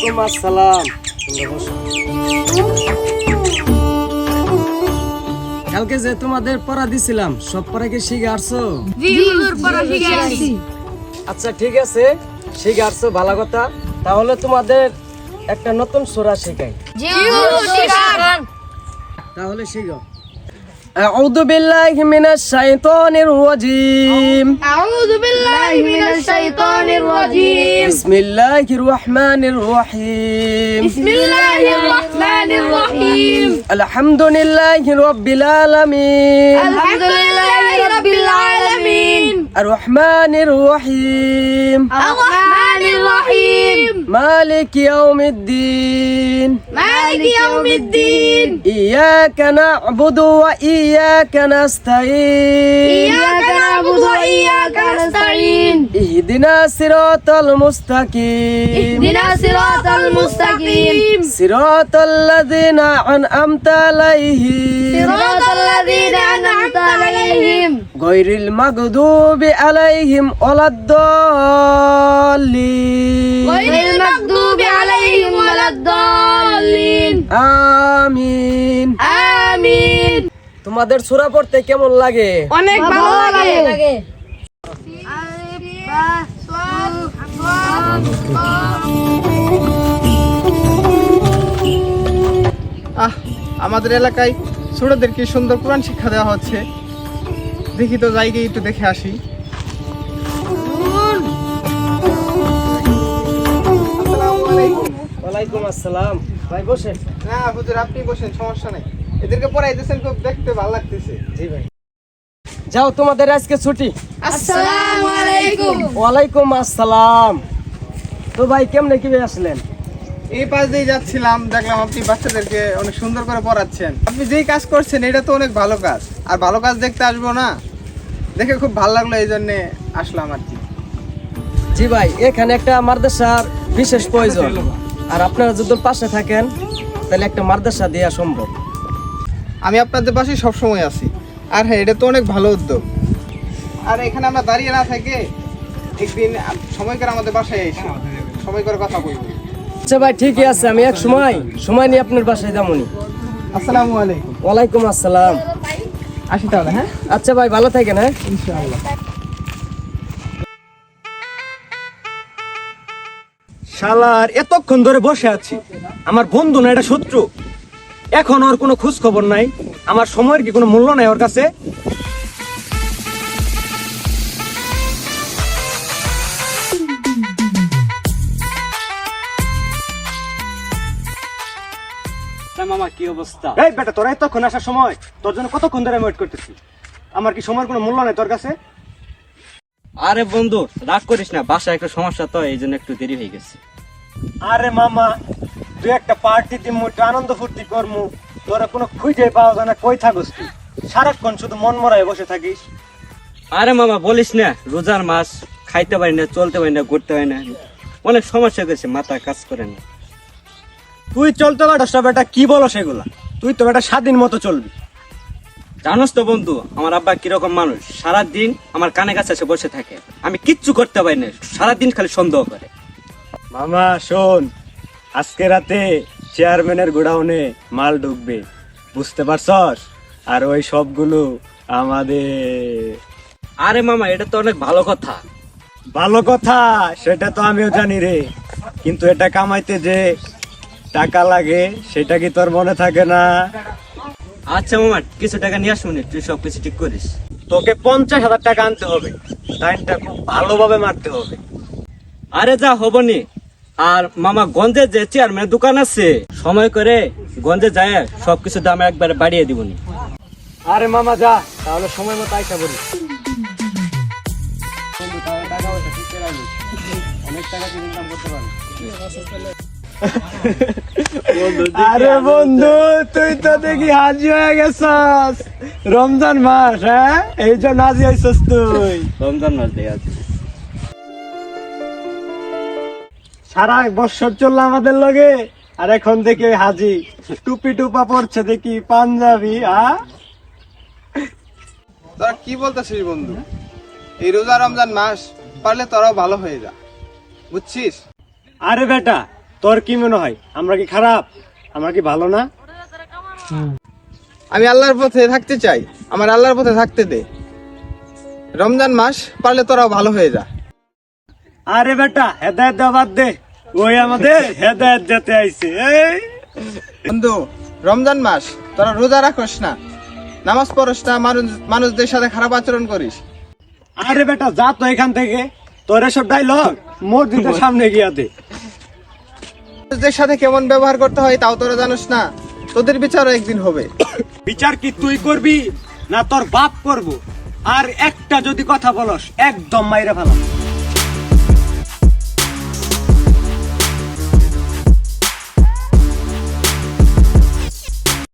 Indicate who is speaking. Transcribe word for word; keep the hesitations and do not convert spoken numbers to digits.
Speaker 1: ওয়ালাইকুম আসসালাম। কালকে যে তোমাদের পড়া দিছিলাম সব পড়া কি শিখে আসছো?
Speaker 2: জি হুজুর, পড়া শিখে আসছি।
Speaker 1: আচ্ছা ঠিক আছে, শিখে আসছো, ভালো কথা। তাহলে তোমাদের একটা নতুন সূরা শেখাই।
Speaker 2: জি হুজুর, শিখান।
Speaker 1: তাহলে শিখো। আউযু বিল্লাহি মিনাশ শাইতানির রাজীম।
Speaker 2: আউযু বিল্লাহি মিনাশ শাইতানির রাজীম।
Speaker 1: বিসমিল্লাহির রহমানির রহিম।
Speaker 2: বিসমিল্লাহির রহমানির রহিম।
Speaker 1: আলহামদুলিল্লাহি রাব্বিল আলামিন।
Speaker 2: আলহামদুলিল্লাহি রাব্বিল আলামিন।
Speaker 1: আর রহমানির রহিম।
Speaker 2: আর রহমানির রহিম।
Speaker 1: মালিক ইয়াউমিদ্দিন।
Speaker 2: মালিক ইয়াউমিদ্দিন।
Speaker 1: ইয়াকা না'বুদু ওয়া ইয়াকা নাস্তাঈন।
Speaker 2: ইয়াকা না'বুদু ওয়া ইয়াকা নাস্তাঈন।
Speaker 1: ইহদিনাস সিরাতাল মুস্তাকিম।
Speaker 2: ইহদিনাস সিরাতাল মুস্তাকিম।
Speaker 1: সিরাতাল লাযিনা আন'আমতা আলাইহিম।
Speaker 2: সিরাতাল লাযিনা আন'আমতা আলাইহিম।
Speaker 1: গায়রিল মাগদুবি আলাইহিম ওয়ালাদ-দাল্লিন।
Speaker 2: গায়রিল মাগদুবি আলাইহিম ওয়ালাদ-দাল্লিন।
Speaker 1: আমিন।
Speaker 2: আমিন।
Speaker 1: তোমাদের সূরা পড়তে কেমন লাগে?
Speaker 2: অনেক ভালো লাগে।
Speaker 3: আহ আমাদের এলাকায় ছোটদের কি সুন্দর কোরআন শিক্ষা দেওয়া হচ্ছে, দেখি তো যাই গিয়ে একটু দেখে আসি। আসসালামু আলাইকুম।
Speaker 1: ওয়ালাইকুম আসসালাম। ভাই বসেন।
Speaker 3: না হুজুর, আপনি বসেন, সমস্যা নাই। এদেরকে পড়াইতেছেন, খুব দেখতে ভালো লাগতেছে।
Speaker 1: জি ভাই। যাও, তোমাদের আজকে ছুটি।
Speaker 2: আসসালামু আলাইকুম।
Speaker 1: ওয়ালাইকুম আসসালাম। তো ভাই কেমনে কি আসলেন?
Speaker 3: এই পাশ দিয়ে যাচ্ছিলাম, দেখলাম আপনি বাচ্চাদেরকে অনেক সুন্দর করে পড়াচ্ছেন। আপনি যেই কাজ করছেন এটা তো অনেক ভালো কাজ, আর ভালো কাজ দেখতে আসবো না, দেখে খুব ভালো লাগলো, এই জন্যে আসলাম আর কি।
Speaker 1: জি ভাই, এখানে একটা মাদ্রাসার বিশেষ প্রয়োজন, আর আপনারা যদি পাশে থাকেন তাহলে একটা মাদ্রাসা দেওয়া সম্ভব।
Speaker 3: আমি আপনাদের পাশে সবসময় আছি। আর হ্যাঁ, এটা তো অনেক ভালো উদ্যোগ। আর এখানে আমরা দাঁড়িয়ে না থেকে একদিন সময় করে আমাদের বাসায় এসে সময় করে কথা বলবো।
Speaker 1: আচ্ছা ভাই, ঠিকই আছে, আমি এক সময় সময় নিয়ে আপনার বাসায় যাবনি।
Speaker 3: আসসালামু আলাইকুম।
Speaker 1: ওয়ালাইকুম আসসালাম।
Speaker 3: আসি তাহলে। হ্যাঁ,
Speaker 1: আচ্ছা ভাই, ভালো থাকেন। হ্যাঁ,
Speaker 3: ইনশাআল্লাহ।
Speaker 4: শালার এতক্ষণ ধরে বসে আছি, আমার বন্ধু না এটা শত্রু। এখন ওর কোনো খোঁজ খবর নাই, আমার সময়ের কি কোনো মূল্য নাই ওর কাছে?
Speaker 1: মামা কি অবস্থা?
Speaker 4: এই বেটা, তোরা এতক্ষণ আসার সময়, তোর জন্য কতক্ষণ ধরে আমি ওয়েট করতেছি। আমার কি সময়ের কোনো মূল্য নাই তোর কাছে?
Speaker 5: আরে বন্ধু, রাগ করিস না, বাসায় একটা সমস্যা তো, এই জন্য একটু দেরি হয়ে গেছে।
Speaker 4: আরে মামা, তুই একটা পার্টি দিমু, একটু আনন্দ ফুর্তি করমু, তোরা কোনো খুঁজে পাওয়া যায় না। কই থাকস তুই? সারাক্ষণ শুধু মন মরায় বসে থাকিস।
Speaker 5: আরে মামা বলিস না, রোজার মাস, খাইতে পারি না, চলতে পারি না, ঘুরতে পারি না, অনেক সমস্যা গেছে, মাথা কাজ করে না।
Speaker 4: তুই চলতে পারস না বেটা, কি বলো সেগুলা? তুই তো বেটা স্বাধীন মতো চলবি।
Speaker 5: জানোস তো বন্ধু, আমার আব্বা কিরকম মানুষ, সারাদিন আমার কানে কাছে এসে বসে থাকে, আমি কিচ্ছু করতে পারি না, সারাদিন খালি সন্দেহ করে।
Speaker 4: মামা শোন, আজকে রাতে চেয়ারম্যানের গোডাউনে মাল ঢুকবে, বুঝতে পারছস? আর ওই সবগুলো আমাদের।
Speaker 5: আরে মামা, এটা তো অনেক ভালো কথা।
Speaker 4: ভালো কথা, সেটা তো আমিও জানি রে, কিন্তু এটা কামাইতে যে টাকা লাগে সেটা কি তোর মনে থাকে না?
Speaker 5: আচ্ছা মামা, কিছু টাকা নিয়ে আসুন, তুই সব কিছু ঠিক করিস।
Speaker 4: তোকে পঞ্চাশ হাজার টাকা আনতে হবে, লাইনটা খুব ভালোভাবে মারতে হবে।
Speaker 5: আরে যা হবনি। আর মামা, গঞ্জে যে চেয়ারম্যানের দোকান আছে, সময় করে গঞ্জে যায় সবকিছু দাম একবারে বাড়িয়ে দিবনি।
Speaker 4: আরে মামা যা, তাহলে সময় মতো আইসা বলি। আরে বন্ধু, তুই তো দেখি হাজি হয়ে গেছস। রমজান মাস, হ্যাঁ, এই জন্য হাজি হয়েছস তুই।
Speaker 5: রমজান মাস দিয়ে আছে।
Speaker 4: সারা বছর চললো আমাদের লগে, আর এখন দেখি ওই হাজি টুপি টুপা পড়ছে, দেখি পাঞ্জাবি। হ্যাঁ,
Speaker 3: তোরা কি বলতেছিস বন্ধু? এই রোজা রমজান মাস পারলে তোরাও ভালো হয়ে যা, বুঝছিস?
Speaker 4: আরে বেটা, তোর কি মনে হয় আমরা কি খারাপ, আমরা কি ভালো না?
Speaker 3: আমি আল্লাহর পথে থাকতে চাই, আমার আল্লাহর পথে থাকতে দে। রমজান মাস পারলে তোরাও ভালো হয়ে যা।
Speaker 4: আরে বেটা হেদায়েত দেওয়া বাদ দে, ওই আমাদের হেদায়েত যেতে আইছে। এই
Speaker 3: বন্ধু, রমজান মাস তোরা রোজা রাখস না, নামাজ পড়স না, মানুষ মানুষদের সাথে খারাপ আচরণ করিস।
Speaker 4: আরে বেটা যা তো এখান থেকে, তোর এসব ডাইলগ মসজিদের সামনে গিয়া দে।
Speaker 3: মানুষদের সাথে কেমন ব্যবহার করতে হয় তাও তোরা জানোস না, তোদের বিচারও একদিন হবে।
Speaker 4: বিচার কি তুই করবি না তোর বাপ করবো? আর একটা যদি কথা বলস একদম মাইরা ফেলাম।